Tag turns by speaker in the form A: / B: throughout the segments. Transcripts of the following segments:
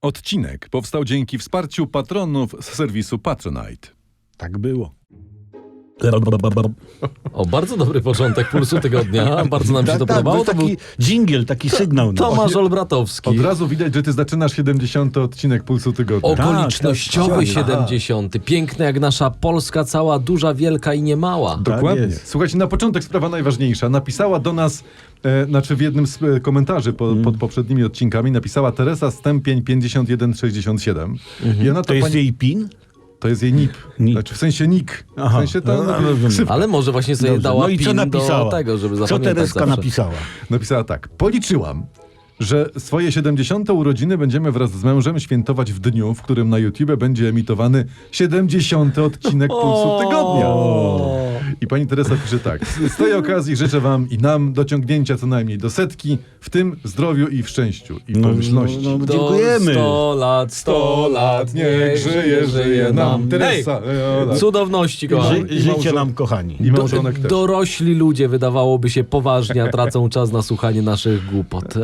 A: Odcinek powstał dzięki wsparciu patronów z serwisu Patronite.
B: Tak było.
C: O, bardzo dobry początek Pulsu Tygodnia. Bardzo nam się to podobało.
B: To był taki dżingiel, taki sygnał.
C: Tomasz Olbratowski.
A: Od razu widać, że ty zaczynasz 70. odcinek Pulsu Tygodnia.
C: Okolicznościowy
B: Tak.
C: 70. Piękny jak nasza Polska cała, duża, wielka i niemała.
A: Dokładnie.
B: jest.
A: Słuchajcie, na początek sprawa najważniejsza. Napisała do nas, w jednym z komentarzy pod poprzednimi odcinkami, napisała Teresa Stępień 5167. I ona
B: To jest jej PIN?
A: To jest jej NIP.
B: NIP.
A: Znaczy w sensie NIK. W
B: Aha.
A: sensie to
B: No, rozumiem.
A: ksywka.
C: Ale może właśnie sobie
B: Dobrze.
C: dała
B: No i co
C: PIN
B: napisała?
C: do tego, żeby
B: Co
C: zapamiętać
B: Tereska
C: zawsze.
B: napisała?
A: Napisała tak. Policzyłam, że swoje 70. urodziny będziemy wraz z mężem świętować w dniu, w którym na YouTube będzie emitowany 70. odcinek Pulsu Tygodnia. I pani Teresa pisze tak. Z tej okazji życzę wam i nam dociągnięcia co najmniej do 100, w tym zdrowiu i w szczęściu i pomyślności.
B: Dziękujemy.
C: 100 lat, niech żyje nam.
A: Teresa.
C: Cudowności, kochani.
B: Życie nam, kochani.
A: I małżonek też.
C: Dorośli ludzie, wydawałoby się, poważnie, a tracą czas na słuchanie naszych głupot.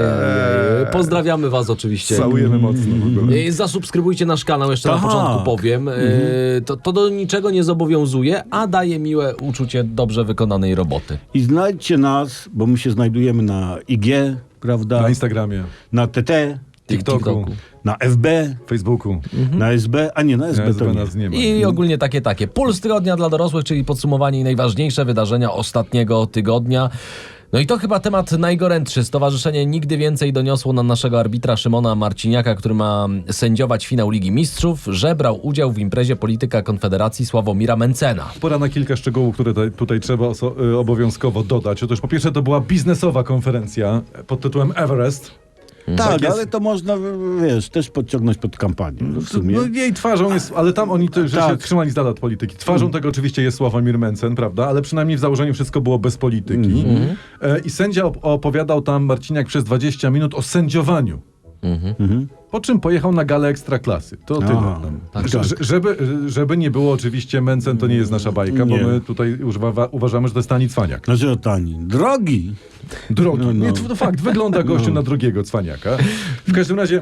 C: Pozdrawiamy was oczywiście.
A: Całujemy mocno. w ogóle.
C: Zasubskrybujcie nasz kanał, jeszcze na
B: Tak.
C: początku powiem. To do niczego nie zobowiązuje, a daje miłe uczucie dobrze wykonanej roboty.
B: I znajdźcie nas, bo my się znajdujemy na IG, prawda?
A: Na Instagramie,
B: Na TT,
A: TikToku,
B: na FB,
A: Facebooku.
B: na SB, a nie, na SB to nie.
A: nas nie ma.
C: I ogólnie takie. Puls tygodnia dla dorosłych, czyli podsumowanie i najważniejsze wydarzenia ostatniego tygodnia. No i to chyba temat najgorętszy. Stowarzyszenie Nigdy Więcej doniosło na naszego arbitra Szymona Marciniaka, który ma sędziować finał Ligi Mistrzów, że brał udział w imprezie polityka Konfederacji Sławomira Mencena.
A: Pora na kilka szczegółów, które tutaj trzeba obowiązkowo dodać. Otóż po pierwsze to była biznesowa konferencja pod tytułem Everest.
B: Tak,
A: jest.
B: ale to można, wiesz, też podciągnąć pod kampanię. No w sumie.
A: No jej twarzą jest, ale tam oni że się
B: Tak.
A: trzymali z dala od polityki. Twarzą tego oczywiście jest Sławomir Mencen, prawda? Ale przynajmniej w założeniu wszystko było bez polityki. I sędzia opowiadał tam, Marciniak, przez 20 minut o sędziowaniu. Po czym pojechał na galę Ekstraklasy. To tyle.
B: Tak.
A: Żeby nie było oczywiście, Mencen to nie jest nasza bajka, bo
B: Nie.
A: my tutaj uważamy, że to jest tani cwaniak.
B: Znaczy o tani. Drogi.
A: Drogi.
B: No.
A: Nie, to fakt, wygląda gościu na drugiego cwaniaka. W każdym razie,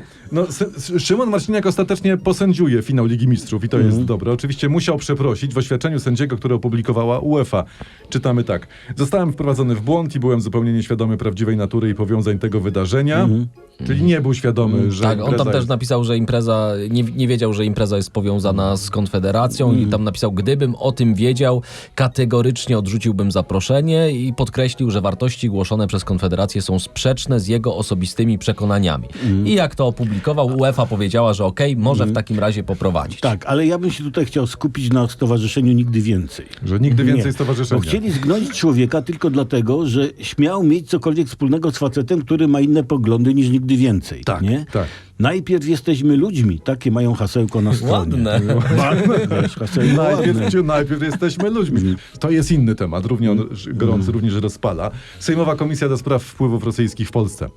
A: Szymon Marciniak ostatecznie posędziuje finał Ligi Mistrzów i to jest dobre. Oczywiście musiał przeprosić. W oświadczeniu sędziego, które opublikowała UEFA, czytamy tak. Zostałem wprowadzony w błąd i byłem zupełnie nieświadomy prawdziwej natury i powiązań tego wydarzenia. Czyli nie był świadomy, że
C: Tak, on tam
A: impreza
C: też
A: jest...
C: napisał, że impreza, nie wiedział, że impreza jest powiązana z Konfederacją i tam napisał, gdybym o tym wiedział, kategorycznie odrzuciłbym zaproszenie i podkreślił, że wartości głoszone przez Konfederację są sprzeczne z jego osobistymi przekonaniami. I jak to opublikował, UEFA powiedziała, że może w takim razie poprowadzić.
B: Tak, ale ja bym się tutaj chciał skupić na stowarzyszeniu Nigdy Więcej.
A: Że nigdy więcej
B: Nie,
A: stowarzyszenia.
B: Bo chcieli zgnąć człowieka tylko dlatego, że śmiał mieć cokolwiek wspólnego z facetem, który ma inne poglądy niż Nigdy Więcej.
A: Tak,
B: nie?
A: tak.
B: Najpierw jesteśmy ludźmi. Takie mają hasełko na stronie.
C: Ładne.
B: Wiesz, hasełko ładne.
A: Najpierw jesteśmy ludźmi. To jest inny temat, równie gorący, również rozpala. Sejmowa Komisja do Spraw Wpływów Rosyjskich w Polsce.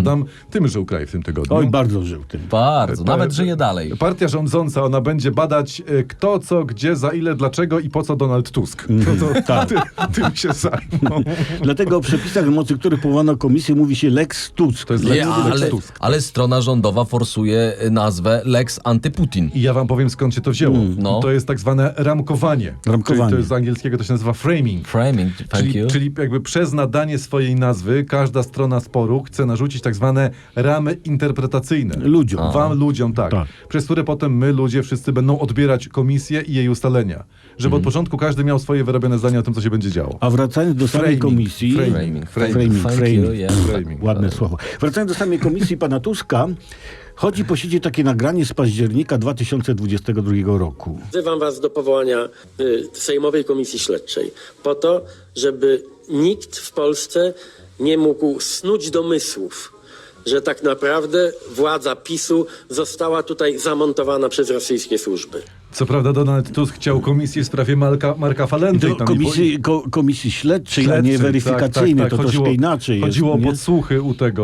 A: Tym żył kraj w tym tygodniu.
B: Oj, bardzo żył tym.
C: Bardzo, nawet żyje dalej.
A: Partia rządząca, ona będzie badać kto, co, gdzie, za ile, dlaczego i po co Donald Tusk. No to
B: tak.
A: tym się zajmą.
B: Dlatego o przepisach, na mocy których powołano komisję, mówi się Lex Tusk.
A: To jest
C: Nie,
A: Lex Tusk.
C: ale strona rządowa forsuje nazwę Lex Antyputin.
A: I ja wam powiem, skąd się to wzięło.
C: No.
A: To jest tak zwane ramkowanie.
B: Ramkowanie.
A: Czyli to jest z angielskiego, to się nazywa framing.
C: Framing, thank you.
A: Czyli jakby przez nadanie swojej nazwy każda strona sporu chce narzucić tak zwane ramy interpretacyjne.
B: Ludziom.
A: Wam ludziom, tak. Przez które potem my, ludzie, wszyscy będą odbierać komisję i jej ustalenia. Żeby od początku każdy miał swoje wyrobione zdania o tym, co się będzie działo.
B: A wracając do samej komisji...
C: Framing. Thank you, yeah.
B: Ładne słowo. Wracając do samej komisji pana Tuska, chodzi po sieci takie nagranie z października 2022 roku.
D: Wzywam was do powołania Sejmowej Komisji Śledczej po to, żeby nikt w Polsce nie mógł snuć domysłów, że tak naprawdę władza PiS-u została tutaj zamontowana przez rosyjskie służby.
A: Co prawda Donald Tusk chciał komisję w sprawie Marka Falenty.
B: Do komisji śledczej, a nie weryfikacyjnej, to troszkę inaczej
A: Chodziło
B: jest,
A: o
B: nie?
A: podsłuchy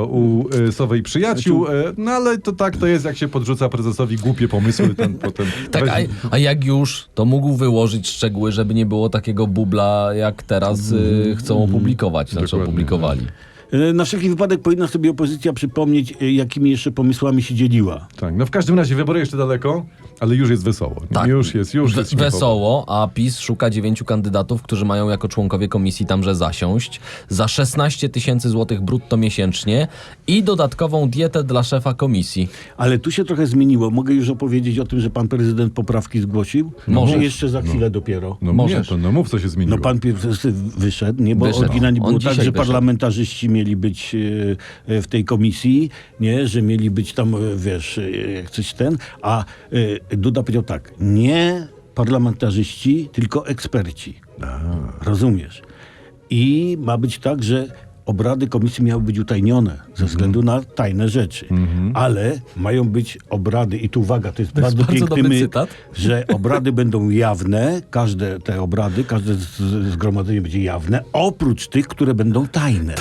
A: u Sowej przyjaciół, no ale to tak to jest, jak się podrzuca prezesowi głupie pomysły, ten potem...
C: Tak, a jak już, to mógł wyłożyć szczegóły, żeby nie było takiego bubla, jak teraz chcą opublikować, znaczy
A: Dokładnie.
C: opublikowali.
B: Na wszelki wypadek powinna sobie opozycja przypomnieć, jakimi jeszcze pomysłami się dzieliła.
A: Tak, no w każdym razie wybory jeszcze daleko, ale już jest wesoło.
C: Tak.
A: Już jest śmiało.
C: Wesoło, a PiS szuka 9 kandydatów, którzy mają jako członkowie komisji tamże zasiąść za 16 000 złotych brutto miesięcznie i dodatkową dietę dla szefa komisji.
B: Ale tu się trochę zmieniło. Mogę już opowiedzieć o tym, że pan prezydent poprawki zgłosił?
C: Możesz.
B: Czy jeszcze za chwilę dopiero?
A: No
C: Możesz.
A: nie, to no mów, co się zmieniło.
B: No pan wyszedł, nie? Bo
C: Wyszedł.
B: oryginalnie
C: On
B: było
C: dzisiaj
B: tak, że
C: wyszedł.
B: parlamentarzyści mieli być w tej komisji, nie? Że mieli być tam, wiesz, jak coś a Duda powiedział tak, nie parlamentarzyści, tylko eksperci. Rozumiesz? I ma być tak, że obrady komisji miały być utajnione ze względu na tajne rzeczy. Ale mają być obrady, i tu uwaga, to jest bardzo
C: bardzo
B: piękny
C: dobry
B: myt,
C: cytat.
B: że obrady będą jawne, każde te obrady, każde zgromadzenie będzie jawne, oprócz tych, które będą tajne.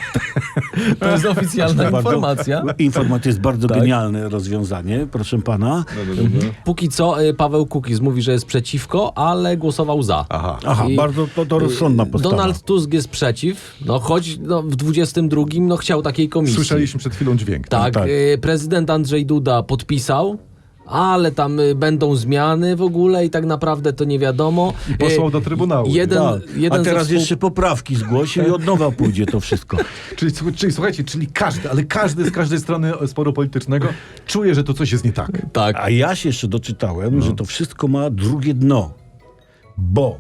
C: To jest oficjalna
B: Bardzo-
C: informacja.
B: Informacja jest bardzo
C: Tak.
B: genialne rozwiązanie, proszę pana.
C: Póki co Paweł Kukiz mówi, że jest przeciwko, ale głosował za.
B: Aha,
C: I-
B: bardzo to rozsądna postawa.
C: Donald Tusk jest przeciw, no choć w 22 chciał takiej komisji.
A: Słyszeliśmy przed chwilą dźwięk.
C: Tak,
B: Tak.
C: prezydent Andrzej Duda podpisał, ale tam będą zmiany w ogóle i tak naprawdę to nie wiadomo.
A: I posłał do Trybunału.
C: Jeden,
B: Tak.
C: jeden
B: A
C: ze
B: teraz jeszcze poprawki zgłosił i od nowa pójdzie to wszystko.
A: Czyli słuchajcie, czyli każdy z każdej strony sporu politycznego czuje, że to coś jest nie tak.
C: Tak.
B: A ja się jeszcze doczytałem, że to wszystko ma drugie dno, bo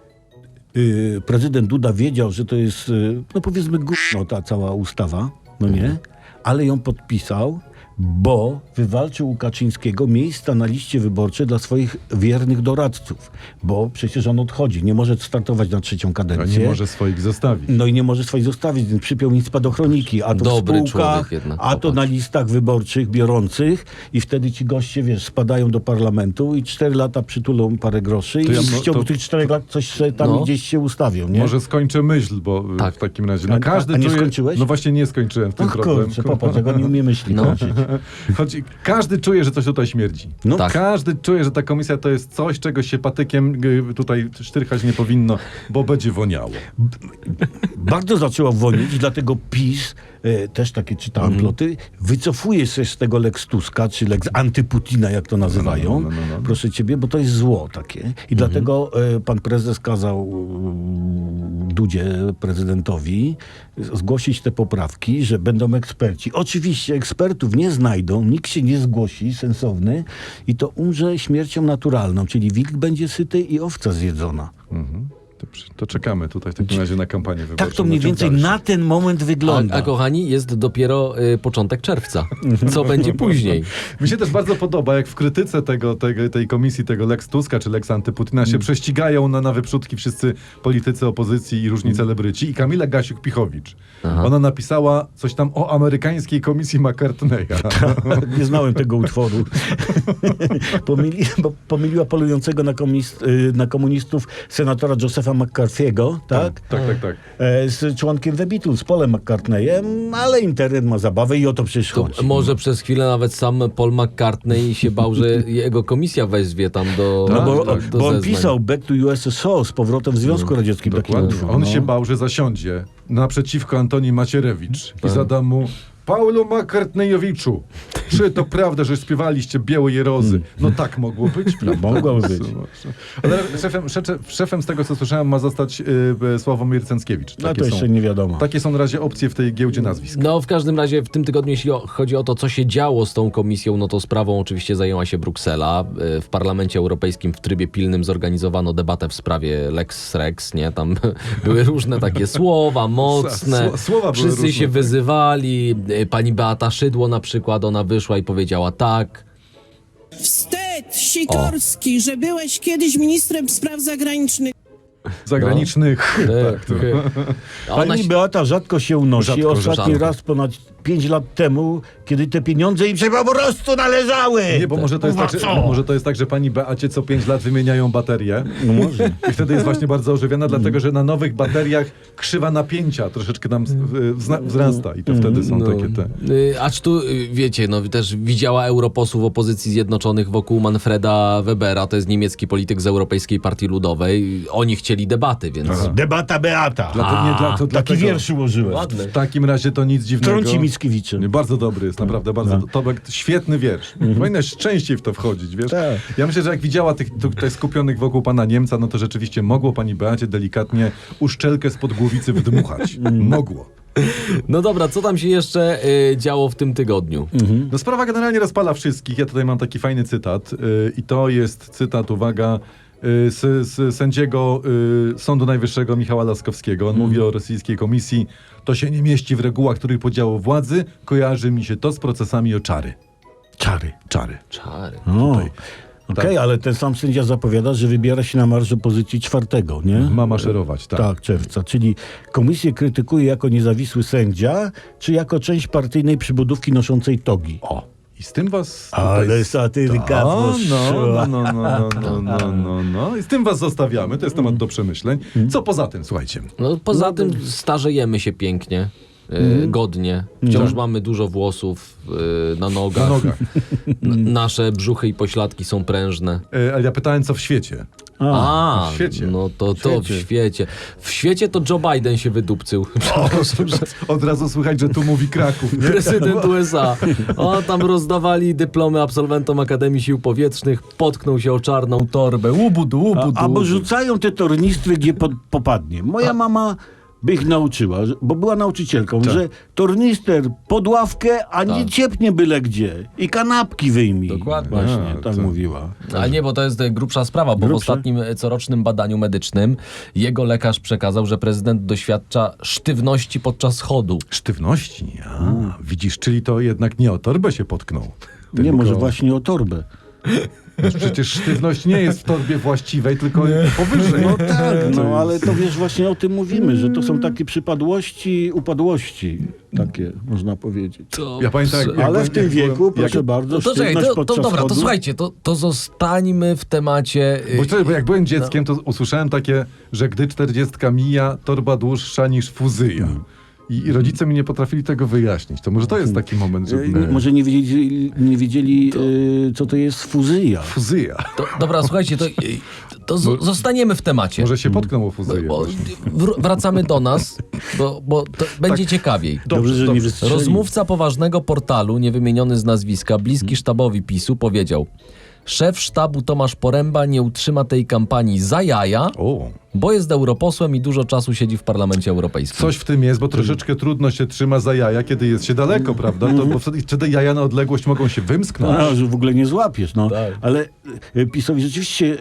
B: prezydent Duda wiedział, że to jest, no powiedzmy, gówno ta cała ustawa, no nie? Ale ją podpisał, bo wywalczył u Kaczyńskiego miejsca na liście wyborczej dla swoich wiernych doradców, bo przecież on odchodzi, nie może startować na trzecią
A: A
B: kadencję.
A: nie może swoich zostawić.
B: No i nie może swoich zostawić, więc przypiął im spadochroniki, a to
C: Dobry
B: w spółkach,
C: człowiek jednak,
B: a to
C: popatrz.
B: na listach wyborczych biorących i wtedy ci goście, wiesz, spadają do parlamentu i 4 lata przytulą parę groszy i
A: To ja
B: w ciągu
A: to-
B: tych 4 lat coś sobie tam
C: No.
B: gdzieś się ustawią, nie?
A: Może skończę myśl, bo
C: Tak.
A: w takim razie. No każdy
B: A nie
A: czuje,
B: skończyłeś?
A: No właśnie nie skończyłem w tym
B: Och,
A: problem.
B: kurczę, popatrz, jak on nie umie myśli kończyć.
A: Chodzi, każdy czuje, że coś tutaj śmierdzi.
B: No
C: Tak.
A: Każdy czuje, że ta komisja to jest coś, czego się patykiem tutaj sztyrchać nie powinno, bo będzie woniało.
B: Bardzo zaczęło wonić i dlatego PiS, też takie czytałem ploty, wycofuje się z tego Lex Tuska, czy Lex Antyputina, jak to nazywają,
A: No.
B: proszę ciebie, bo to jest zło takie. I dlatego pan prezes kazał Dudzie, prezydentowi, zgłosić te poprawki, że będą eksperci. Oczywiście ekspertów nie znajdą, nikt się nie zgłosi, sensowny, i to umrze śmiercią naturalną, czyli wilk będzie syty i owca zjedzona.
A: To czekamy tutaj w takim razie na kampanię wyborczą.
B: Tak to mniej
A: ciąg
B: więcej
A: dalszy.
B: na ten moment wygląda.
C: A kochani, jest dopiero początek czerwca. Co będzie później?
A: Mi się też bardzo podoba, jak w krytyce tej komisji, tego Lex Tuska czy Lex Antyputina się prześcigają na wyprzódki wszyscy politycy opozycji i różni celebryci. I Kamila Gasiuk-Pichowicz. Ona napisała coś tam o amerykańskiej komisji McCartneya.
B: Nie znałem tego utworu. Pomyliła polującego na komunistów senatora Josepha McCarthy'ego, tak?
A: Tak.
B: Z członkiem The Beatles, Paulem McCartneyem, ale internet ma zabawę i o to przecież
C: To
B: chodzi.
C: może przez chwilę nawet sam Paul McCartney się bał, że jego komisja wezwie tam do
B: No bo,
A: tak.
C: do
B: bo on
C: zeznań.
B: pisał Back to USSR z powrotem w Związku Radzieckim. taki
A: Dokładnie.
B: utwór,
A: On
B: no.
A: się bał, że zasiądzie naprzeciwko Antoni Macierewicz
B: Tak.
A: i zada mu: Paulu McCartneyowiczu, czy to prawda, że śpiewaliście Białe Jerozy? No tak mogło być. prawda?
B: mogło być.
A: Ale szefem z tego, co słyszałem, ma zostać Sławomir Cęckiewicz.
B: No to jeszcze nie wiadomo.
A: Takie są na razie opcje w tej giełdzie nazwisk.
C: No w każdym razie w tym tygodniu, jeśli chodzi o to, co się działo z tą komisją, no to sprawą oczywiście zajęła się Bruksela. W Parlamencie Europejskim w trybie pilnym zorganizowano debatę w sprawie Lex Rex, nie? Tam były różne takie słowa mocne.
A: Słowa były
C: Wszyscy
A: różne,
C: się
A: tak.
C: wyzywali. Pani Beata Szydło na przykład, ona wyszła i powiedziała tak.
E: Wstyd, Sikorski, że byłeś kiedyś ministrem spraw zagranicznych.
A: Zagranicznych. Tak,
C: A ona
B: Pani
C: się...
B: Beata rzadko się unosi.
A: Rzadko,
B: Ostatni
C: rzadko.
B: raz ponad 5 lat temu, kiedy te pieniądze im się po prostu należały.
A: Nie, bo może to jest tak, że, może to jest tak, że pani Beacie co 5 lat wymieniają baterie.
B: No może.
A: I wtedy jest właśnie bardzo ożywiona, dlatego że na nowych bateriach krzywa napięcia troszeczkę nam wzrasta i to wtedy są takie te...
C: Acz tu, wiecie, no też widziała europosłów opozycji zjednoczonych wokół Manfreda Webera, to jest niemiecki polityk z Europejskiej Partii Ludowej. Oni chcieli debaty, więc...
B: Debata Beata.
A: To
B: Taki
A: dlatego-
B: wiersz ułożyłem.
C: Ładny.
A: W takim razie to nic dziwnego.
B: Trąci Mickiewiczem.
A: Bardzo dobry jest, naprawdę bardzo. Tobek, świetny wiersz. Powinnaś częściej w to wchodzić, wiesz?
B: Tak.
A: Ja myślę, że jak widziała tych tutaj skupionych wokół pana Niemca, no to rzeczywiście mogło pani Beacie delikatnie uszczelkę spod głowicy wydmuchać. Mogło.
C: No dobra, co tam się jeszcze działo w tym tygodniu?
A: No sprawa generalnie rozpala wszystkich. Ja tutaj mam taki fajny cytat i to jest cytat, uwaga, z sędziego Sądu Najwyższego Michała Laskowskiego. On mówi o rosyjskiej komisji. To się nie mieści w regułach trójpodziału władzy. Kojarzy mi się to z procesami o czary.
B: Czary.
A: Czary.
C: Czary.
B: Okej, ale ten sam sędzia zapowiada, że wybiera się na marsz opozycji 4, nie?
A: Ma maszerować, tak.
B: Tak, czerwca. Czyli komisję krytykuje jako niezawisły sędzia, czy jako część partyjnej przybudówki noszącej togi?
A: O, i z tym was... tutaj-
B: Ale satyryka poszła.
A: No. I z tym was zostawiamy. To jest temat do przemyśleń. Co poza tym, słuchajcie.
C: No poza tym starzejemy się pięknie. Godnie. Wciąż mamy dużo włosów na nogach.
A: Na nogach.
C: Nasze brzuchy i pośladki są prężne.
A: Ale ja pytałem, co w świecie.
C: A,
A: w świecie.
C: no to w świecie. W świecie to Joe Biden się wydupcył. Przepraszam, że
A: Od razu słychać, że tu mówi Kraków. Nie?
C: prezydent USA. O, tam rozdawali dyplomy absolwentom Akademii Sił Powietrznych, potknął się o czarną torbę. Łubudu.
B: Albo rzucają te tornistry, gdzie popadnie. Moja mama by ich nauczyła, bo była nauczycielką, że tornister pod ławkę, a nie ciepnie byle gdzie. I kanapki wyjmij.
C: Dokładnie.
B: Właśnie,
A: A,
B: tak
A: to-
B: mówiła.
C: A nie, bo to jest grubsza sprawa, bo w ostatnim corocznym badaniu medycznym jego lekarz przekazał, że prezydent doświadcza sztywności podczas chodu.
A: Sztywności. Widzisz, czyli to jednak nie o torbę się potknął.
B: Nie,
A: Tylko-
B: może właśnie o torbę.
A: Przecież sztywność nie jest w torbie właściwej, tylko powyżej.
B: No tak,
A: To
B: no
A: jest-
B: ale to wiesz, właśnie o tym mówimy, że to są takie przypadłości, upadłości. Takie, można powiedzieć.
A: Ja pamiętam, jak
B: Ale
A: byłem-
B: w tym
A: jak byłem-
B: wieku,
A: jak-
B: proszę bardzo,
C: To czekaj,
B: sztywność
C: to
B: podczas
C: dobra, to
B: chodu.
C: słuchajcie, to zostańmy w temacie...
A: Bo jak byłem dzieckiem, to usłyszałem takie, że gdy 40 mija, torba dłuższa niż fuzyja. I rodzice mi nie potrafili tego wyjaśnić. To może to jest taki moment, żeby...
B: Może nie wiedzieli co to jest fuzyja.
A: Fuzyja.
C: Dobra, słuchajcie, to zostaniemy w temacie.
A: Może się potknął o fuzyję
C: Bo
A: właśnie.
C: wracamy do nas, bo to będzie ciekawiej.
B: Dobrze, że nie
A: dobrze.
B: wystrzelił.
C: Rozmówca poważnego portalu, niewymieniony z nazwiska, bliski sztabowi PiS-u, powiedział: szef sztabu Tomasz Poręba nie utrzyma tej kampanii za jaja,
A: O,
C: bo jest europosłem i dużo czasu siedzi w Parlamencie Europejskim.
A: coś w tym jest, bo troszeczkę trudno się trzyma za jaja, kiedy jest się daleko, prawda? To, bo wtedy te jaja na odległość mogą się wymsknąć.
B: No, że w ogóle nie złapiesz, no.
C: Tak.
B: Ale PiS-owi rzeczywiście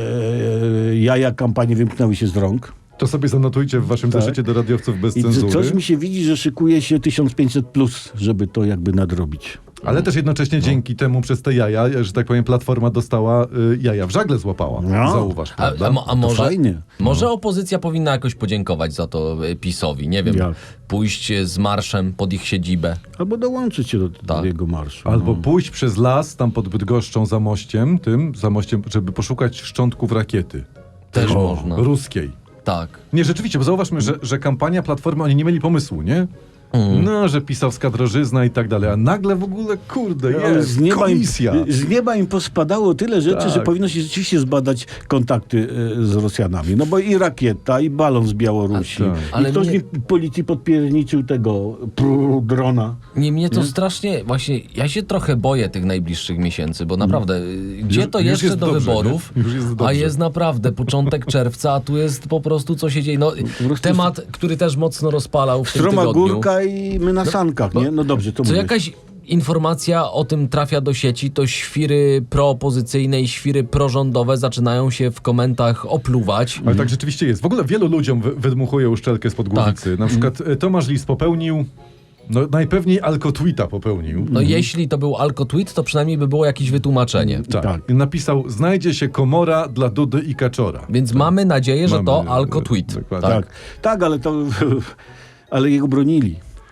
B: jaja kampanii wymknęły się z rąk.
A: To sobie zanotujcie w waszym zeszycie do radiowców bez
B: I
A: cenzury.
B: coś mi się widzi, że szykuje się 1500+, żeby to jakby nadrobić.
A: Ale też jednocześnie dzięki temu przez te jaja, że tak powiem, Platforma dostała jaja w żagle złapała.
B: No.
A: Zauważ, prawda?
C: A może,
B: fajnie.
C: może opozycja powinna jakoś podziękować za to PiS-owi, nie wiem,
B: Jak?
C: pójść z marszem pod ich siedzibę.
B: Albo dołączyć się do
C: Tak.
B: jego marszu.
A: Albo pójść przez las tam pod Bydgoszczą za mościem, żeby poszukać szczątków rakiety.
C: Też można.
A: Ruskiej.
C: Tak.
A: Nie, rzeczywiście, bo zauważmy, że kampania Platformy, oni nie mieli pomysłu, nie? No, że pisowska drożyzna i tak dalej, a nagle w ogóle, kurde,
B: Ale
A: jest komisja.
B: z nieba im pospadało tyle rzeczy,
A: Tak.
B: że powinno się rzeczywiście zbadać kontakty z Rosjanami. No bo i rakieta, i balon z Białorusi.
A: Tak.
C: Ale
B: I ktoś
C: mnie-
B: policji podpierniczył tego drona.
C: Mnie to strasznie, właśnie, ja się trochę boję tych najbliższych miesięcy, bo naprawdę, gdzie to
A: już
C: jeszcze
A: jest
C: do
A: dobrze,
C: wyborów,
A: nie? Już jest
C: a
A: dobrze.
C: jest naprawdę początek czerwca, a tu jest po prostu co się dzieje. No,
B: prostu
C: temat, który też mocno rozpalał w tym
B: Stroma
C: tygodniu.
B: górka i my na sankach, nie? No dobrze, to
C: Co
B: mówię.
C: jakaś informacja o tym trafia do sieci, to świry proopozycyjne i świry prorządowe zaczynają się w komentach opluwać.
A: Ale tak rzeczywiście jest. W ogóle wielu ludziom wydmuchuje uszczelkę spod głowicy.
C: Tak.
A: Na przykład Tomasz Lis popełnił, no najpewniej alkotweeta popełnił.
C: No jeśli to był alkotweet, to przynajmniej by było jakieś wytłumaczenie.
A: Tak.
B: Tak.
A: I napisał, znajdzie się komora dla Dudy i Kaczora.
C: Więc mamy nadzieję, że
A: Mamy,
C: to alkotweet.
A: dokładnie.
B: Tak, tak, ale to... ale jego bronili.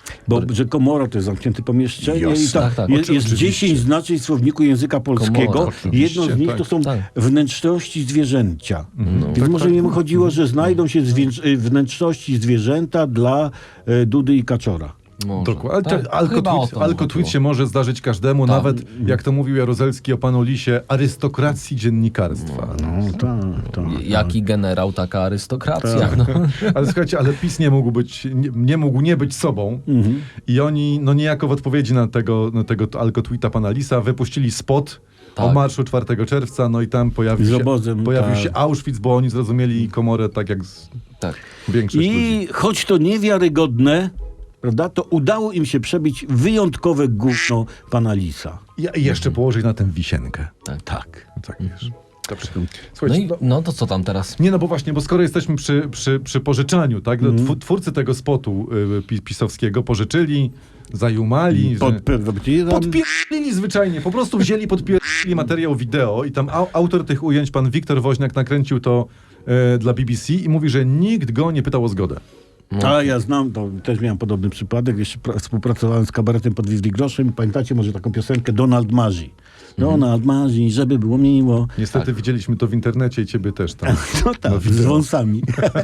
B: Bo że komora to jest zamknięte pomieszczenie
A: Jasne.
B: i tam
C: Tak.
B: jest
A: Oczywiście.
B: 10 znaczeń w słowniku języka polskiego.
C: Komora,
B: Jedno z nich
A: tak.
B: to są
C: Tak.
B: wnętrzności zwierzęcia. Więc
A: Tak,
B: może
A: tak.
B: im chodziło, że znajdą się wnętrzności zwierzęta dla Dudy i Kaczora.
C: Może.
A: Dokładnie.
C: Tak, chyba o to
A: Alkotweet
C: chodziło.
A: się może zdarzyć każdemu,
C: Tak.
A: nawet, jak to mówił Jaruzelski o panu Lisie, arystokracji dziennikarstwa.
B: No tak.
C: Jaki generał, taka arystokracja. No.
A: Ale słuchajcie, ale PiS nie mógł nie być sobą i oni, no niejako w odpowiedzi na tego alkotweeta pana Lisa wypuścili spot o
C: Tak.
A: marszu 4 czerwca, no i tam
B: Z
A: pojawił
B: obozem, tak.
A: się Auschwitz, bo oni zrozumieli Komorę tak jak
C: Tak.
A: większość ludzi.
B: I choć to niewiarygodne, prawda, to udało im się przebić wyjątkowe gówno pana Lisa.
A: I jeszcze położyć na tym wisienkę.
B: Tak.
A: Tak, wiesz. Dobrze.
C: No,
A: Słuchajcie,
C: i, no to co tam teraz?
A: Nie, no bo właśnie, bo skoro jesteśmy przy pożyczaniu, tak? Twórcy tego spotu pisowskiego pożyczyli, zajumali, podpierdzili zwyczajnie, po prostu wzięli, podpierdzili materiał wideo i tam autor tych ujęć, pan Wiktor Woźniak, nakręcił to dla BBC i mówi, że nikt go nie pytał o zgodę.
B: A ja znam, to też miałem podobny przypadek, jeszcze współpracowałem z kabaretem pod Wizli Groszem. Pamiętacie może taką piosenkę Donald Marzy? Donald Marzy, żeby było miło.
A: Niestety widzieliśmy to w internecie i ciebie też tam.
B: No tak, z wąsami.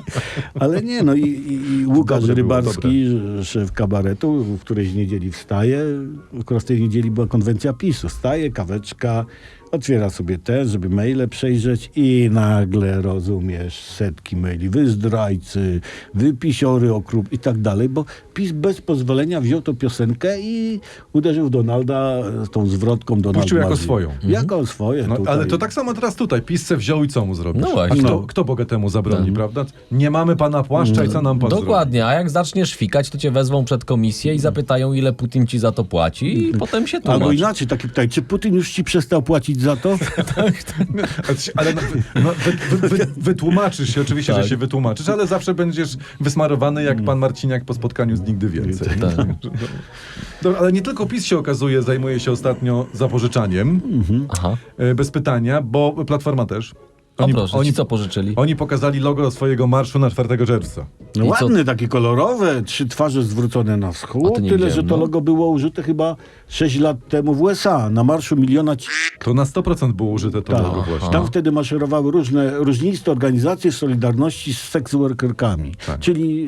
B: Ale nie, no i Łukasz
A: Dobre było,
B: Rybarski, szef kabaretu, w którejś niedzieli wstaje. Akurat w tej niedzieli była konwencja PiS-u. Wstaje, kaweczka, otwiera sobie te, żeby maile przejrzeć i nagle, rozumiesz, setki maili. Wy zdrajcy, wy pisiory okrup i tak dalej, bo PiS bez pozwolenia wziął tą piosenkę i uderzył w Donalda tą zwrotką Donald
A: Puścił jako
B: Marzy.
A: swoją.
B: Jako swoje.
A: No,
B: tutaj.
A: ale to tak samo teraz tutaj. PiS se wziął i co mu zrobisz?
C: No właśnie.
A: A
C: No.
A: kto bogatemu zabroni, prawda? Nie mamy pana płaszcza i co nam pan
C: Dokładnie, a jak zaczniesz fikać, to cię wezwą przed komisję i zapytają, ile Putin ci za to płaci i potem się
B: Albo
C: tłumacz.
B: inaczej, takie pytanie, czy Putin już ci przestał płacić za to?
A: zrobi? Ale wytłumaczysz się, oczywiście,
C: Tak.
A: że się wytłumaczysz, ale zawsze będziesz wysmarowany jak pan Marciniak po spotkaniu z Nigdy Więcej.
C: Tak.
A: No, ale nie tylko PiS się okazuje, zajmuje się ostatnio zapożyczaniem,
C: Aha.
A: bez pytania, bo Platforma też.
C: O proszę, ci co pożyczyli?
A: Oni pokazali logo swojego marszu na 4 czerwca.
B: No
C: I co?
B: ładne, takie kolorowe, 3 twarze zwrócone na
C: A
B: wschód,
C: to nie
B: tyle,
C: widziałem,
B: że to
C: no.
B: logo było użyte chyba 6 lat temu w USA, na marszu miliona
A: To na 100% było użyte to
B: Tak.
A: logo właśnie.
B: Tam wtedy maszerowały różniste organizacje Solidarności z sex workerkami,
A: Tak.
B: czyli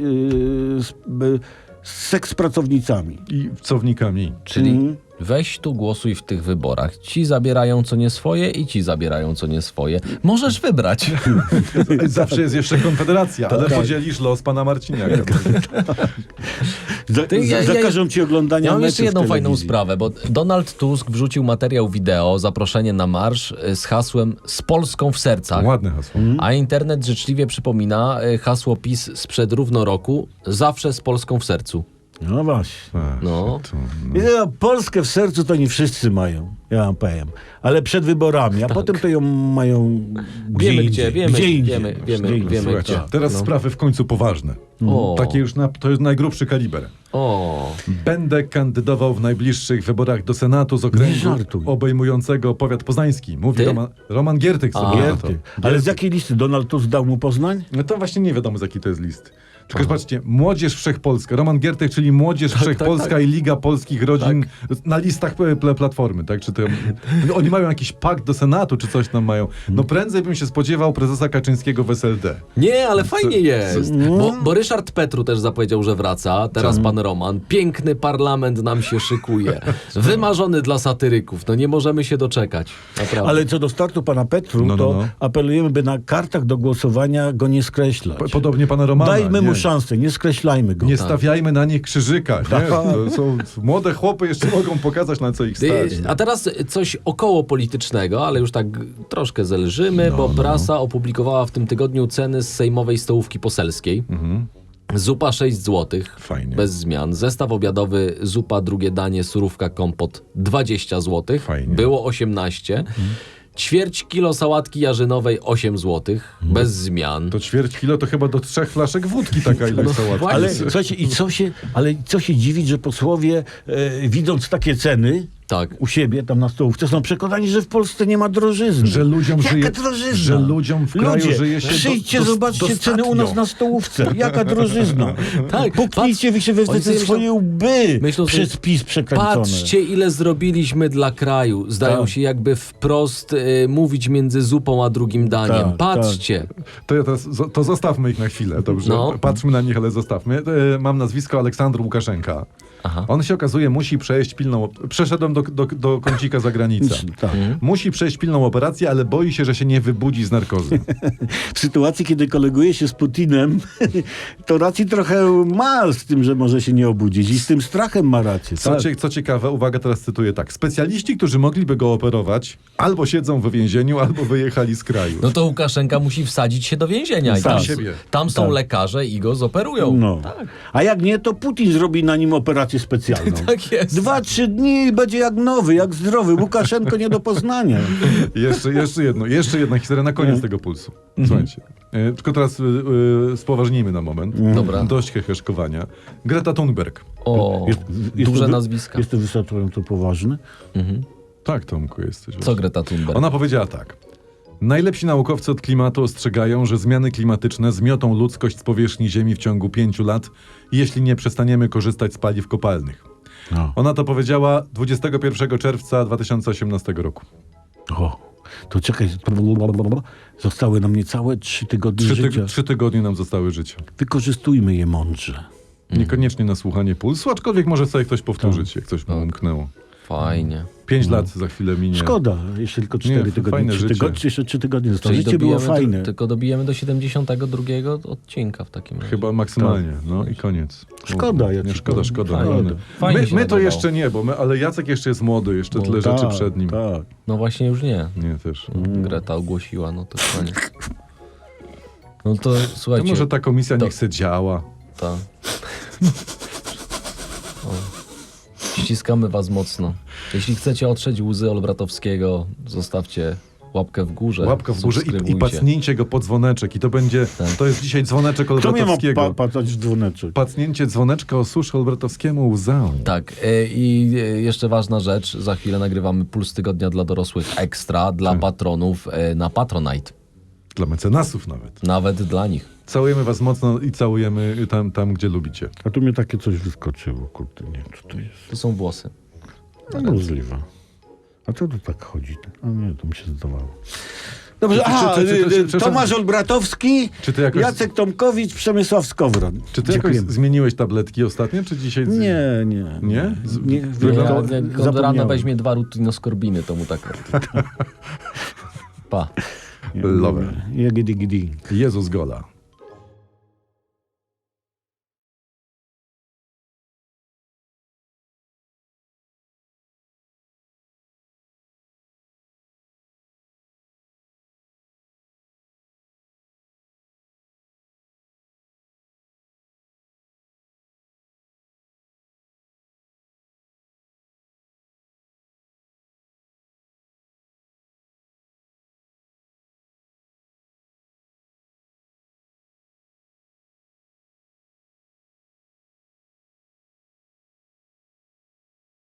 B: z seks pracownicami.
A: I cownikami.
C: Czyli weź tu głosuj w tych wyborach. Ci zabierają co nie swoje i ci zabierają co nie swoje. Możesz wybrać.
A: Zawsze jest jeszcze Konfederacja, ale podzielisz los pana Marciniaka.
B: Zakażą ci oglądania
C: Ja mam
B: meczów
C: jeszcze jedną
B: w
C: fajną
B: telewizji.
C: sprawę, bo Donald Tusk wrzucił materiał wideo, zaproszenie na marsz z hasłem "Z Polską w sercach".
A: Ładne hasło.
C: A internet życzliwie przypomina hasło PiS sprzed równo roku: zawsze z Polską w sercu.
B: No właśnie.
C: No.
B: Ja, Polskę w sercu to nie wszyscy mają, ja wam powiem. Ale przed wyborami, a potem to ją mają gdzie
C: Wiemy
B: indziej.
C: gdzie,
B: Gdzie indziej.
C: wiemy
A: Słuchajcie,
C: gdzie.
A: teraz
C: No.
A: sprawy w końcu poważne.
C: O.
A: Takie już to jest najgrubszy kaliber.
C: O,
A: Będę kandydował w najbliższych wyborach do Senatu z okręgu
B: Nie żartuj.
A: obejmującego powiat poznański. Mówi
C: Ty?
A: Roman Giertych sobie na to.
B: Gierty. Ale z jakiej listy Donald Tusk dał mu Poznań?
A: No to właśnie nie wiadomo, z jaki to jest list. Tylko zobaczcie, Młodzież Wszechpolska, Roman Giertych, czyli Młodzież Wszechpolska i Liga Polskich Rodzin na listach Platformy, tak? Czy to, oni mają jakiś pakt do Senatu, czy coś tam mają. No prędzej bym się spodziewał prezesa Kaczyńskiego w SLD.
C: nie, ale fajnie jest. Bo Ryszard Petru też zapowiedział, że wraca. Teraz pan Roman. Piękny parlament nam się szykuje. Wymarzony dla satyryków. No nie możemy się doczekać. Naprawdę.
B: Ale co do startu pana Petru,
A: No.
B: to apelujemy, by na kartach do głosowania go nie skreślać.
A: Podobnie pana Romana.
B: Dajmy mu
A: nie.
B: szansę, nie skreślajmy go.
A: Nie stawiajmy na nich krzyżyka. Nie? To są młode chłopy, jeszcze mogą pokazać, na co ich stać.
C: A teraz coś około politycznego, ale już tak troszkę zelżymy, bo prasa opublikowała w tym tygodniu ceny z sejmowej stołówki poselskiej. Zupa 6 zł,
A: Fajnie.
C: bez zmian. Zestaw obiadowy, zupa, drugie danie, surówka, kompot 20 zł.
A: Fajnie.
C: Było 18. Ćwierć kilo sałatki jarzynowej 8 zł, bez zmian.
A: To ćwierć kilo to chyba do 3 flaszek wódki taka ilość sałatki.
C: właśnie.
B: Ale co się dziwić, że posłowie widząc takie ceny
C: Tak.
B: u siebie tam na stołówce, są przekonani, że w Polsce nie ma drożyzny.
A: Że ludziom
B: Jaka
A: żyje-
B: drożyzna?
A: że ludziom w kraju
B: Ludzie,
A: żyje się
B: przyjdźcie, zobaczcie
A: dostatnio.
B: ceny u nas na stołówce. Jaka drożyzna.
C: Tak,
B: Puknijcie wy się we
C: oni sobie
B: swoje łby
C: myślą sobie,
B: przez PiS przekręcone.
C: Patrzcie, ile zrobiliśmy dla kraju. Zdają
B: Tak.
C: się jakby wprost mówić między zupą a drugim daniem.
B: Tak,
C: Patrzcie.
A: To, ja teraz, to zostawmy ich na chwilę, dobrze?
C: No.
A: Patrzmy na nich, ale zostawmy. Mam nazwisko Aleksandr Łukaszenka.
C: Aha.
A: On się okazuje, musi przejść pilną... Przeszedłem do kącika za granicę.
B: Tak.
A: Musi przejść pilną operację, ale boi się, że się nie wybudzi z narkozy.
B: W sytuacji, kiedy koleguje się z Putinem, to racji trochę ma z tym, że może się nie obudzić i z tym strachem ma rację. Tak?
A: Co ciekawe, uwaga, teraz cytuję tak. Specjaliści, którzy mogliby go operować, albo siedzą w więzieniu, albo wyjechali z kraju.
C: No to Łukaszenka musi wsadzić się do więzienia. I
A: Sam
C: tam,
A: siebie.
C: tam są
B: Tak.
C: lekarze i go zoperują.
B: No. A jak nie, to Putin zrobi na nim operację specjalną.
C: Tak jest.
B: 2-3 dni i będzie jak nowy, jak zdrowy. Łukaszenko nie do poznania.
A: Jeszcze jedna historia na koniec tego pulsu. Słuchajcie. Tylko teraz spoważnijmy na moment.
C: Dobra.
A: Dość heheszkowania. Greta Thunberg.
C: O, duże
B: to wy-
C: nazwiska.
B: Jest to wystarczająco poważny?
A: Tak, Tomku, jesteś.
C: Co Greta Thunberg?
A: Ona powiedziała tak. Najlepsi naukowcy od klimatu ostrzegają, że zmiany klimatyczne zmiotą ludzkość z powierzchni Ziemi w ciągu 5 lat, jeśli nie przestaniemy korzystać z paliw kopalnych.
B: No.
A: Ona to powiedziała 21 czerwca 2018 roku.
B: O, to czekaj. Zostały nam niecałe 3 tygodnie życia.
A: 3 tygodnie nam zostały życia.
B: Wykorzystujmy je mądrze.
A: Niekoniecznie na słuchanie pulsu, aczkolwiek może sobie ktoś powtórzyć, jak coś mu umknęło.
C: Fajnie.
A: 5 lat za chwilę minie.
B: Szkoda, jeszcze tylko 4
A: Nie,
B: tygodnie.
A: fajne
B: 3
A: życie.
B: tygodnie, jeszcze 3 tygodnie zostało.
C: Czyli
B: Życie było
C: dobijemy
B: fajne.
C: tylko dobijemy do 72 odcinka w takim razie.
A: Chyba maksymalnie, no i koniec.
B: Szkoda, ja
A: Nie,
B: ci
A: szkoda,
B: powiem.
A: szkoda.
C: Fajnie.
A: No.
C: Fajnie się
A: My to
C: nadawało.
A: jeszcze nie, ale Jacek jeszcze jest młody, jeszcze tyle rzeczy
B: Tak,
A: przed nim.
B: Tak.
C: No właśnie już nie.
A: Nie, też.
C: Greta ogłosiła, no to koniec. No to
A: To
C: słuchajcie.
A: może ta komisja
C: to-
A: niech se działa.
C: Ta. O. Ściskamy was mocno. Jeśli chcecie otrzeć łzy Olbratowskiego, zostawcie łapkę w górze.
A: Łapka w górze i
C: subskrybujcie.
A: pacnięcie go po dzwoneczek. I to będzie,
C: Tak.
A: to jest dzisiaj dzwoneczek
B: Kto mnie ma
A: Olbratowskiego.
B: patać w dzwoneczek?
A: Pacnięcie dzwoneczka osuszy Olbratowskiemu łzę.
C: Tak, i jeszcze ważna rzecz, za chwilę nagrywamy Puls Tygodnia dla dorosłych ekstra,
A: Tak.
C: dla patronów na Patronite.
A: Dla mecenasów nawet.
C: Nawet dla nich.
A: Całujemy was mocno i całujemy tam gdzie lubicie.
B: A tu mnie takie coś wyskoczyło, kurde, nie wiem, co to jest.
C: To są włosy.
B: No, możliwe. A co to tak chodzi? A nie, to mi się zdawało. Dobrze,
A: czy-
B: Tomasz Olbratowski,
A: Czy ty jakoś-
B: Jacek Tomkowicz, Przemysław Skowron.
A: Czy ty jakoś
B: Dziękujemy.
A: zmieniłeś tabletki ostatnio, czy dzisiaj...
B: Nie?
A: Nie?
B: Nie,
C: Jak
B: zapomniałem.
C: on rano weźmie 2 rutinoskorbiny, to mu tak... Pa.
A: Lover.
B: Jagidi.
A: Jezus Gola.